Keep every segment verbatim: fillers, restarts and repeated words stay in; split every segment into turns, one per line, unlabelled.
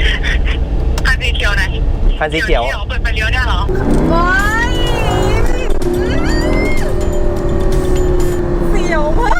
คันสีเขียวไหน
คันสีเขียว
เปิดไฟเลี้ยวได้เหรอ
ว้ายเสียวมาก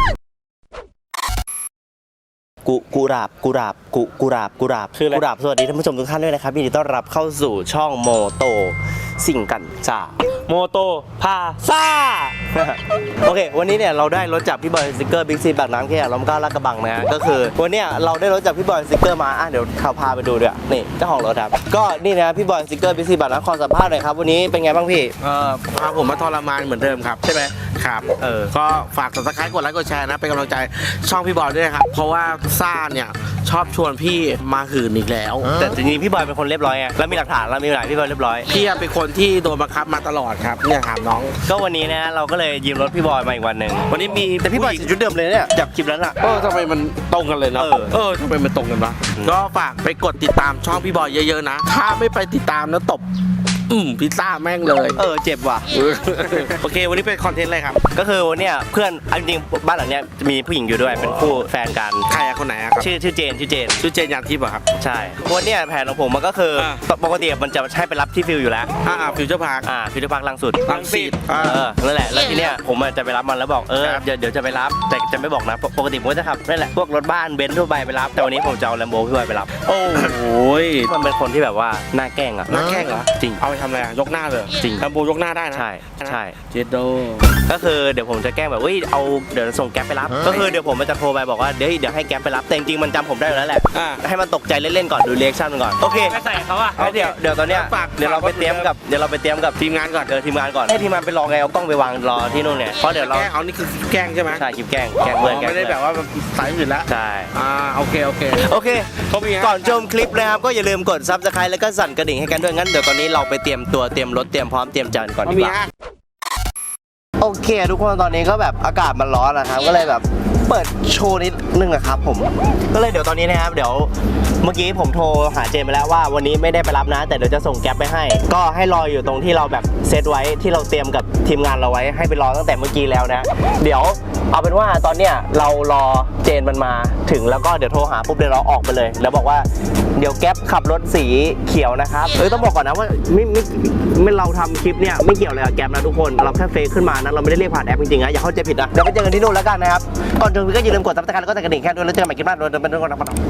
กูกูราบกูราบกูกูราบกูราบคืออะไรกูราบสวัสดีท่านผู้ชมทุกท่านด้วยนะครับยินดีต้อนรับเข้าสู่ช่องโมโตสิ่งกันจ้าโมโตพาซ่า โอเควันนี้เนี่ยเราได้รถจากพี่บอยสติ๊กเกอร์บิ๊กซีปากน้ำแค่ล้อมเก้าลาดกระบังนะฮะก็คือวันเนี้ยเราได้รถจากพี่บอยสติ๊กเกอร์มาอ่ะเดี๋ยวเขาพาไปดูด้วยนี่เจ้าของรถครับก็นี่นะพี่บอยสติ๊กเกอร์บิ๊กซีปากน้ำขอสัมภาษณ์หน่อยครับวันนี้เป็นไงบ้างพี่
เออพาผมมาทรมานเหมือนเดิมครับ
ใช่ไหม
ครับเออก็ฝาก ซับสไครบ์ กดไลค์กดแชร์นะเป็นกำลังใจช่องพี่บอยด้วยครับเพราะว่าซ่าเนี่ยชอบชวนพี่มาหื่นอีกแล้ว
แต่จริงๆพี่บอยเป็นคนเรียบร้อยไงแล้วมีหลักฐานแล้วมีหลักฐานพี่บอยเรียบร้อย
พี่เป็นคนที่โดนบังคับมาตลอดครับเนี่ยถามน้อง
ก็วันนี้นะเราก็เลยยืมรถพี่บอยมาอีกวันหนึ่งวันนี้มีแต่พี่บอยใส่ชุดเดิมเลยเนี่ยจากคลิปนั้นอะ
เออทำไมมันตรงกันเลยเนาะเออทำไมมันตรงกันวะก็ฝากไปกดติดตามช่องพี่บอยเยอะๆนะถ้าไม่ไปติดตามแล้วตบอืมพิซซ่าแม่งเลย
เออเจ็บว่ะ
โอเควันนี้เป็นคอนเทนต์อะไรครับ
ก็คือวันเนี้ยเพื่อนจริงๆบ้านหลังเนี้ยจะมีผู้หญิงอยู่ด้วยเป็นคู่แฟนกัน
ใครอะคนไหนอะครับ
ชื่อชื่อเจนชื่อเจน
ชื่อเจนยานทิพย์อะครับ
ใช่วันเนี้ยแผนของผมมันก็คือปกติมันจะให้ไปรับที่ฟิลอยู่แล้ว
อ่าฟิวเจอร์พาร์ค
อ่าฟิวเจอร์พาร์คลังสุด
ลังสิต
เออนั่นแหละแล้วทีเนี้ยผมจะไปรับมันแล้วบอกเออเดี๋ยวเดี๋ยวจะไปรับแต่จะไม่บอกนะปกติผมจะขับนั่นแหละพวกรถบ้านเบนซ์ทั่วไปไปรับแต่วันนี้ผมจะเอาแลมโบพี่บอยไปรับ
โอ้ย
มันเป็นคนที่แบบว่าหน้าแกล้งอะ
หน้าแกล้งเหรอ
จริง
เอาไปทำอะไรยกหน้าเลย
จริง
แลมโบยกหน้าได้นะ
ใช่ใช่
เจโด
ก็คือเดี๋ยวผมจะแกล้งแบบเฮ้ยเอาเดี๋ยวส่งแก๊ปไปรับก็คือเดี๋ยวผมมันจะโทรไปบอกว่าเดี๋ยวเดี๋ยวให้แก๊ปไปรับแต่จริงๆมันจำผมได้อยู่แล้วแหละให้มันตกใจเล่นๆก่อนดูเรีแอคชั่นมันก่อนโอเค
ไม่ใส่เขาอะ
เดี๋ยวเดี๋ยวตอนเนี้ยเดี๋ยวเราไปเตรียมกับเดี๋ยวเราไปเตรียมกับ
ทีมงานก่อน
เดี๋ยวทีมงานก่อนให้ทีมงานไปรอไงเอากล้องไปวางรอที่นู่นเนี่ยเพราะเดี๋ยวเรา
เอานี่คือแกล้งใช่ไหม
ใช่คลิปแกล้งแกล้งเพื่อน
ไม่ได้แบบว่าสายอื่นแล้ว
ใช่
อ่าโอเคโอเค
โอเคก่อนชมคลิปนะครับก็อย่าลืมกดซับสไครต์แล้วก็สั่นกระดิ่งให้กันด้วยงั้นเดี๋ยวตอนนี้เราไปเตรียมตัวเตรียมรถเตรียมพร้อมเตรียมจานก่อนดีกว่าโอเคทุกคนตอนนี้ก็แบบอากาศมันร้อนนะครับก็เลยแบบเปิดโชว์นิดนึงนะครับผมก็เลยเดี๋ยวตอนนี้นะครับเดี๋ยวเมื่อกี้ผมโทรหาเจมไปแล้วว่าวันนี้ไม่ได้ไปรับนะแต่เดี๋ยวจะส่งแก๊ปไปให้ก็ให้รออยู่ตรงที่เราแบบเซตไว้ที่เราเตรียมกับทีมงานเราไว้ให้ไปรอตั้งแต่เมื่อกี้แล้วนะเดี๋ยวเอาเป็นว่าตอนเนี้ยเรารอเจนมันมาถึงแล้วก็เดี๋ยวโทรหาปุ๊บเดี๋ยวเราออกไปเลยแล้วบอกว่าเดี๋ยวแก๊ปขับรถสีเขียวนะครับเอ้ยต้องบอกก่อนนะว่าไม่ไม่ไม่เราทำคลิปเนี่ยไม่เกี่ยวเลยกับแก๊ปนะทุกคนเราแค่เฟซขึ้นมานะเราไม่ได้เรียกผ่านแอปจริงๆนะอย่าเข้าใจผิดนะเดี๋ยวไปเจอกันที่นู่นแล้วกันนะครับก่อนถึงก็อย่าลืมกดซับสไครต์แล้วก็กระดิ่งแค่ด้วยแล้วเจอกันใหม่คลิปหน้าโดยเดินไปด้วยกันนะครับ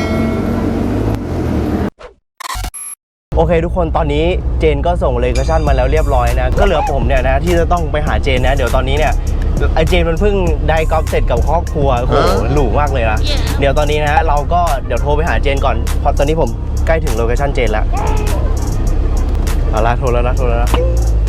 โอเคทุกคนตอนนี้เจนก็ส่งเลคชั่นมาแล้วเรียบร้อยนะก็เหลือผมเนี่ยนะที่จะต้องไปหาเจนนะเดี๋ยวตอนนี้เนี่ยไอเจนมันเพิ่งได้กอล์ฟเสร็จกับครอบครัวโอ้โหหรูมากเลยนะเดี๋ยวตอนนี้นะเราก็เดี๋ยวโทรไปหาเจนก่อนเพราะตอนนี้ผมใกล้ถึงโลเคชั่นเจนแล้วเอาละโทรแล้วนะโทรแล้วนะ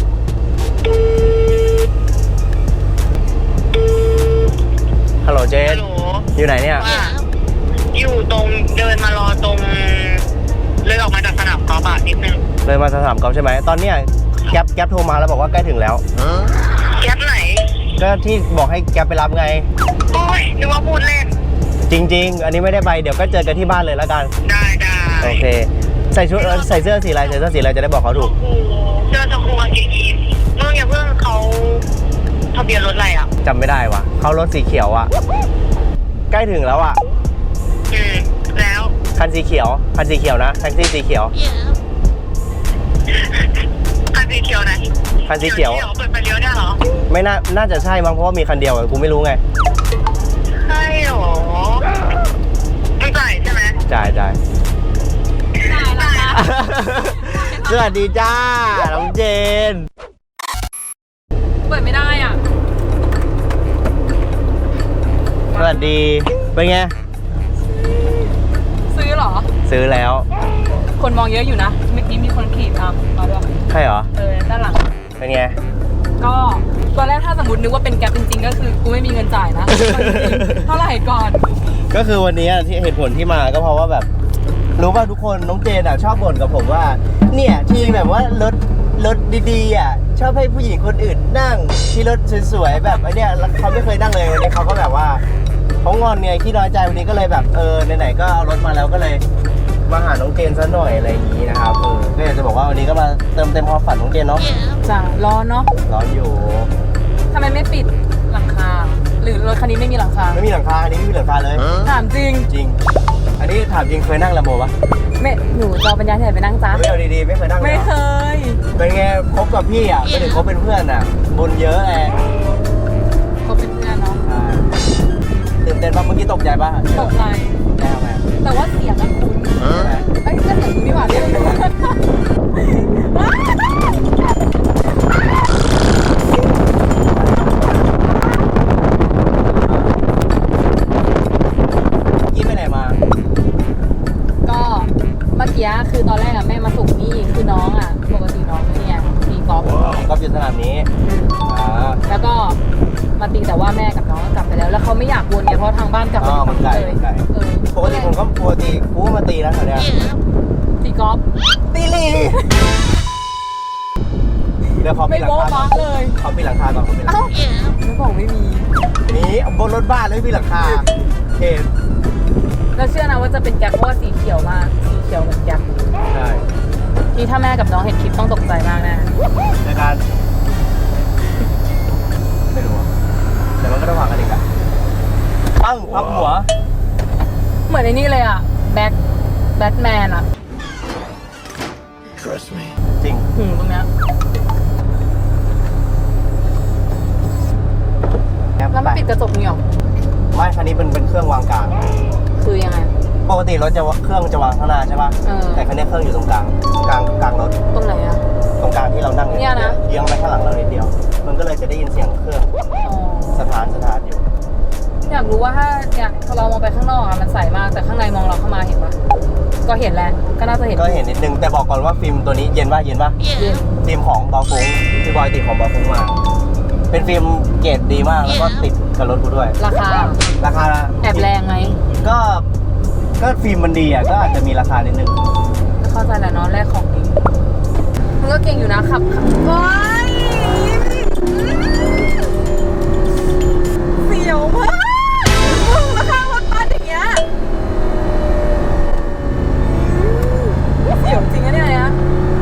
ฮัลโหลเจนอยู่ไหนเนี่ย
อยู่ตรงเดินมารอตรงเลยออกมาจากสนามกอล์ฟนิดนึง
เลยมาสนามกอล์ฟใช่ไหมตอนเนี้ยแก๊ปแก๊ปโทรมาแล้วบอกว่าใกล้ถึงแล้ว
แก๊ปไหน
ก็ที่บอกให้แก๊ปไปรับไง
โอ้ยนึกว่าพูดเล่น
จริงๆอันนี้ไม่ได้ไปเดี๋ยวก็เจอกันที่บ้านเลยแล้วกัน
ได้ได้
โอเคใส่ชุดใส่เสื้อสีอะไรใส่เสื้อสีอะไรจะได้บอกเขาถูก
เสื้อชมพูกางเกงยีนส์เมื่ออย่าเพิ่งเขาทะเบียนรถอะไรอ่ะ
จำไม่ได้วะเขารถสีเขียวอ่ะใกล้ถึงแล้วอ่ะ
อืมแล้ว
คันสีเขียวคันสีเขียวนะแท็กซี่สีเขียว
คันสีเขียวไหน
คันสีเขียว
เปิดไฟเลี้ยวได้เหรอ
ไม่น่าน่าจะใช่มั้งเพราะว่ามีคันเดียวกูไม่รู้ไง
ใช่หรอไม่จ่ายใช่ไหม
จ่ายจ่ายสวัสดีจ้าน้องเจน
เปิดไม่ได้อ่ะ
สวัสดีเป็นไง
ซื้อเหรอ
ซื้อแล้ว
คนมองเยอะอยู่นะเมื่อกี้มีคนขี่ตามมาด้วย
ใช่เหรอ
เออด้านหลัง
เป็นไง
ก็ตอนแรกถ้าสมมตินึกว่าเป็นแก๊ปจริงๆก็คือกูไม่มีเงินจ่ายนะเท่าไหร่ก่อน
ก็คือวันนี้ที่เหตุผลที่มาก็เพราะว่าแบบรู้ป่ะทุกคนน้องเจนอ่ะชอบบ่นกับผมว่าเนี่ยที่แบบว่ารถรถดีๆอ่ะชอบให้ผู้หญิงคนอื่นนั่งที่รถสวยๆแบบไอ้เนี่ยเขาไม่เคยนั่งเลยวันนี้เขาก็แบบว่าเขางอนไงขี้น้อยใจวันนี้ก็เลยแบบเออไหนๆก็เอารถมาแล้วก็เลยมาหาน้องเจนซะหน่อยอะไรอย่างนี้นะครับเออก็อยากจะบอกว่าวันนี้ก็มาเติมเต็มความฝันน้องเจนเนาะ
จ้ะร้อนเนาะ
ร้อนอยู่
ทำไมไม่ปิดหลังคาหรือรถคันนี้ไม่มีหลังคา
ไม่มีหลังคาอันนี้ไม่มีหลังคาเลย
ถามจริง
จริง อันนี้ถามจริงเคยนั่งลำโบปะ
ไม่หนูจอปัญญาที่ไหนไปนั่งจ้า
ไม่เอาดีๆไม่เคยนั่งเลย
ไม่
เหรอ
เคย
เป็นไงคบกับพี่อ่ะไม่ถึงคบเป็นเพื่อนอ่ะบุญเยอะแหละ
เขาเป็นเพื่อนเนาะ
ใช่ตื่นเต้นปะเมื่อกี้ตกใจปะ
ตกใจ
แน่ไหม
แต่ว่าเสียงอะคุณ
ใช่ไหม
ไอ้ยก็เสียงคุณนี่หว่าเรียกไม่ถูก
ยี่ไปไหนมา
ก็เมื่อกี้คือตอนแรกอะแม่มาส่งนี่คือน้องอะปกติน้องเนี่ยตีกอล์ฟ
ก็อยู่สนามนี้อ่า
แล้วก็มาตีแต่ว่าแม่กับน้องก็กลับไปแล้ว แล้วเขาไม่อยากวนไงเพราะทางบ้านกลับไป
อ๋อมันไกล
เลย
มันไกล
เออ
ปกติผมก็ปกติกูก็มาตีนะแถวเนี้ย
ตีกอล์ฟ
ตีลีเดี๋ยวเขา
ไม่
มีหลัง
โบ๊ะ
คาก่อ
บ้าน เลย
เขามีหลังคาก่อนเขามีหลัง
เอ้า
คา
ไม่บอกไม่มี
นี่บนรถบ้านเลยมีหลังคาเห็น
แล้วเชื่อนะว่าจะเป็นแก๊ปเพราะว่าสีเขียวมากสีเขียวเหมือนแก๊ป
ใช่
นี่ถ้าแม่กับน้องเห็นคลิปต้องตกใจมากแน่
ในการไม่รู้อะแต่มันก็ต้องวางกันอีกอะปั้งพับหัว
เหมือนในนี่เลยอะแบ็คแบทแมนอะ
จริง
หืมตรงเนี้ยแล้วมันปิดกระจกนี่หรอ
ไม่คันนี้เป็นเป็นเครื่องวางกลาง
คือยังไง
ปกติรถจะเครื่องจะวางข้างหน้าใช่ป่ะ
เออ
แต่คันนี้เครื่องอยู่ตรงกลางกลางกลางรถ
ตรงไหนอะ
ตรงกลางที่เรานั่งอ
เนี่ยนะ
เยียงไปข้างหลังเรานิดเดียว มันก็เลยจะได้ยินเสียงเครื่อง
อ๋อ
สถานสถานอยู่
อยากรู้ว่าถ้าเนี่ยพอเรามองไปข้างนอกอะมันใสมากแต่ข้างในมองเราเข้ามาเห็นปะก็เห็นแหละก็น่าจะเห็น
ก็เห็นนิดนึงแต่บอกก่อนว่าฟิล์มตัวนี้เย็นป่ะเย็นป่ะ
เย็น
ฟิล์มของบอฟุ้งพี่บอยติดของบอฟุ้งมา เป็นฟิล์มเกรดดีมากแล้วก็ติดกับรถกูด้วย
ราคา
ราคา
แอบแรงไหม
ก็ก็ฟิล์มมันดีอ่ะก็อาจจะมีราคานิดนึง
เข้าใจแหละเนาะแรกของดีมึงก็เก่งอยู่นะขับขับโอ๊ยเสียวมากมึงมาข้างรถบัสอย่างเงี้ยเสียวจริงอะเนี่ยนะ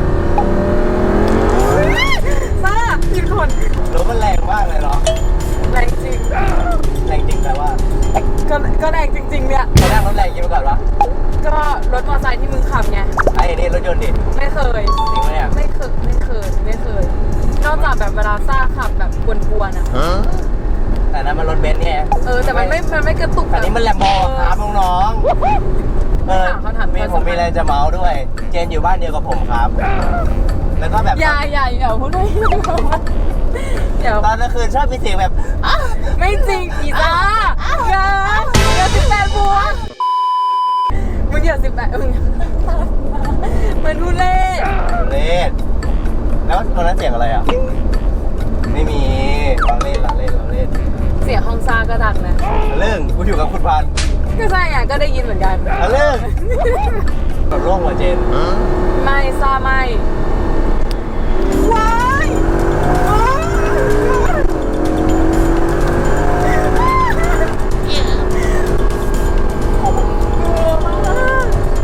ซ่าผิดคน
รถมันแรงมากเลยเนาะ
แรงจริง
แรงจริงแต่ว่า
ก็ก็แรงจริง ๆ เนี่ย
ตอนแรกรถแรงยิ่งไปก่อนวะ
ก็รถมอเตอร์ไซค์ที่มึงขับไง
ไอ้นี่รถยนต์ดิ
ไม่เคย
จริงไหมเนี่ย
ไม่เคย ไม่เคย ไม่เคย นอกจากแบบเวลาซ่าขับแบบกวนๆอ่ะ
แต่นั้นมันรถเบนซ์ไง
เออ แต่มันไม่ มันไม่กระตุก
แต่นี้มันแลมโบครับน้องๆเออ
เขาถาม
มีผมมีอะไรจะเมาส์ด้วย เจนอยู่บ้านเดียวกับผมครับ แล้วก็แบบ
อย่าอย่าอย่าพูดด้วยเดี๋ยว
ตอนกลางคืนชอบมีเสียงแบบ
ไม่จริงอีซ่าอย่าอย่าสิบแปดบวกมึงอย่าสิบแปดมึงมันทุเล่
เล่นแล้วตอนนั้นเสียงอะไรอ่ะ ไม่มีเราเล่นเราเล่นเราเล่น
เสียงห้องซ่าก็ดังนะ
เรื่องกูอยู่กับคุณพันธุ์
ก็ใช่อ่ะก็ได้ยินเหมือนกัน
เรื่องแบบร่วงหัวเจน
ไม่ซ่าไม่ว้ายว้ายกลัวมาก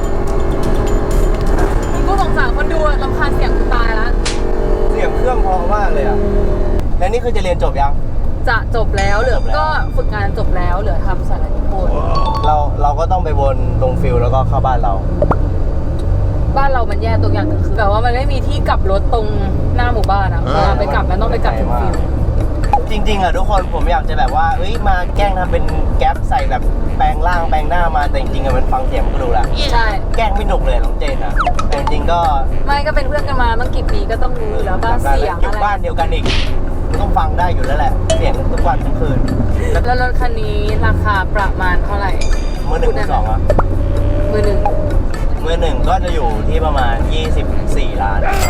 มึงก็สงสารคนดูอะรำคาญเสียงกูตายละ
เสียงเครื่องเพอมากเลยอ่ะ แล้วนี่คือจะเรียนจบยัง
จะจบแล้วเหลือ
จบแล้ว
ก็ฝึกงานจบแล้วเหลือทำสารนิพนธ์
เราเราก็ต้องไปวนลงฟิลแล้วก็เข้าบ้านเรา
บ้านเรามันแย่ตรงอย่างหนึงคือแบบว่ามันไม่มีที่กลับรถตรงหน้าหมู่บ้านอะเวลาไปกลับมันต้องไปกลับถึงฟิว
จริงๆอ่ะทุกคนผมอยากจะแบบว่าเอ้ยมาแกล้งทำเป็นแก๊ปใส่แบบแปลงร่างแปลงหน้ามาแต่จริงๆอ่ะมันฟังเสียงมันก็รู้แหละ
ใช่
แกล้งไม่หนุกเลยน้องเจนอ่ะแต่จริงๆก็
ไม่ก็เป็นเพื่อนกันมาตั้งกี่ปีก็ต้องรู้อยู่แล้วบ้านเสียง
อยู่
อะไร
บ้านเดียวกันอีกมันต้องฟังได้อยู่แล้วแหละ เสียงทุกวันทั้งคืน
แล้วรถคันนี้ราคาประมาณเท่าไหร่
มือหนึ่งมือสองอ่ะ
มือหนึ่ง
มือหนึ่งก็จะอยู่ที่ประมาณยี่สิบสี่ล้าน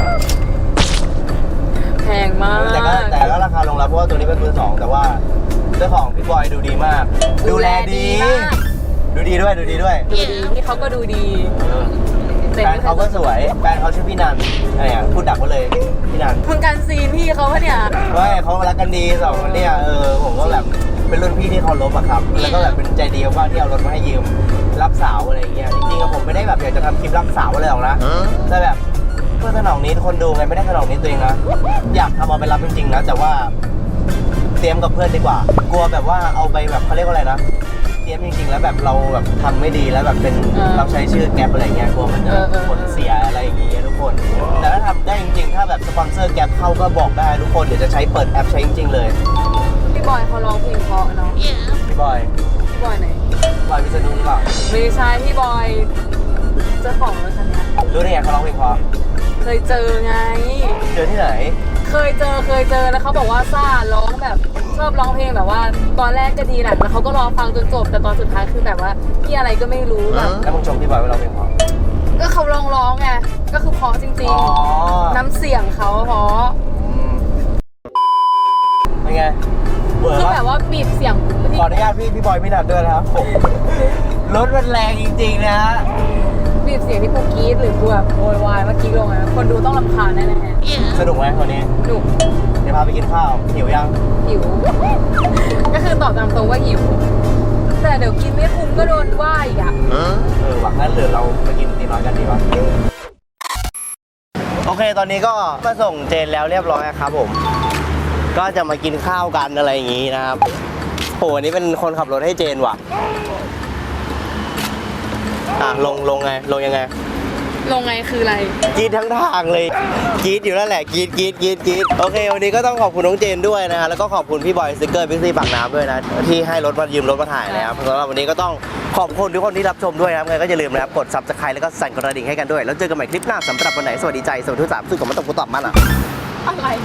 แพงมาก
แต่ก็แต่ก็ราคาลงแล้วเพราะว่าตัวนี้เป็นมือสองแต่ว่าเจ้าของพี่บอยดูดีมาก ดูแลดี
มาก
ดูดีด้วยดูดีด้วย
ดูดีที่เขาก็ดูดี
เออแฟนเขาก็สวยแฟนเขาชื่อพี่นันอะไรอ่ะพูดดักไว้เลยพี่นัน
มึงกันซีนพี่เขาปะเนี่ย
ว่าเขารักกันดีสองคนเนี่ยเออผมก็แบบเป็นรุ่นพี่ที่เคารพอะครับ แล้วก็แบบเป็นใจดีว่าที่เอารถมาให้ยืมรับสาวอะไรอย่างเงี้ยจริงๆอะผมไม่ได้แบบอยากจะทำคลิปรับสาวอะไรหรอกนะแต่แบบเพื่อสนองนี้คนดูไงไม่ได้สนองนี้ตัวเองนะอยากทำเอาไปรับจริงๆนะแต่ว่าตรียมกับเพื่อนดีกว่ากลัวแบบว่าเอาไปแบบเขาเรียกว่าอะไรนะเตรียมจริงๆแล้วแบบเราแบบทำไม่ดีแล้วแบบเป็นเราใช้ชื่อแก๊ปอะไรเงี้ยกลัวมันจะผลเสียอะไรอย่างเงี้ยทุกคนแต่ถ้าทำได้จริงๆถ้าแบบสปอนเซอร์แก๊ปเข้าก็บอกได้ทุกคนเดี๋ยวจะใช้เปิดแอปใช้จริงๆเลย
พี่บอยเขาร้องเพลงเพราะเนาะ
พี่บอย
พี่บอยไหน
บอยพิษณุหรือเปล่า
ไม่ใช่พี่บอยเจ้าของรถคันเนี้ย
รู้ได้ไงเขาร้องเพลงเพราะ
เคยเจอไง
เจอที่ไหน
เคยเจอเคยเจอแล้วเขาบอกว่าซ่าร้องแบบชอบร้องเพลงแบบว่า ตอนแรกก็ดีแหละแล้วเขาก็รอฟังจนจบแต่ตอนสุดท้ายคือแบบว่าพี่อะไรก็ไม่รู้แบบ
แล้วมึงชมพี่บอยว่าร้องเพลงเพราะ
ก็เขาร้องร้องไงก็คือเพราะจริง
อ๋อ
ๆ น้ำเสียงเขาเพราะ
อืมเป็นไงเวอร์
คือ
ปะ
แบบว่าบีบเสียง
ขออนุญาตพี่พี่บอยไม่นัดด้วยนะครับผมรถมันแรงจริงๆนะ
บีบเสียงที่กูกรี๊ดหรือกูแบบโวยวายเมื่อกี้ลงนะคนดูต้องรำคาญแน่ๆ
สนุกไหมวันนี้
หนุ
เดี๋ยวพาไปกินข้าวหิวยัง
หิว ก็คือตอบตามตรงว่าหิว แต่เดี๋ยวกินไม่คุ้มก็โดนว่าอีกอ่ะ
เออหวังงั้นเหลือเราไปกินตีน้อยกันดีกว่าโอเคตอนนี้ก็มาส่งเจนแล้วเรียบร้อยครับผม ก็จะมากินข้าวกันอะไรอย่างงี้นะครับโหวันนี้เป็นคนขับรถให้เจนว่ะอ่ะลงลงไงลงยังไง
ลงไงคืออะไร
กรีดทั้งทางเลยกรีดอยู่นั่นแหละกรีดกรีดกรีดกรีดโอเควันนี้ก็ต้องขอบคุณน้องเจนด้วยนะฮะแล้วก็ขอบคุณพี่บอยสติ๊กเกอร์พิกซี่ปากน้ำด้วยนะที่ให้รถมายืมรถมาถ่ายนะครับสำหรับวันนี้ก็ต้องขอบคุณทุกคนที่รับชมด้วยนะครับไงก็อย่าลืมนะครับกดซับสไครต์แล้วก็สั่นกระดิ่งให้กันด้วยแล้วเจอกันใหม่คลิปหน้าสำหรับวันไหนสวัสดีใจสวัสดีทุกสามซึ่งผมมาตกกูตอบมันอ่ะ
อะไร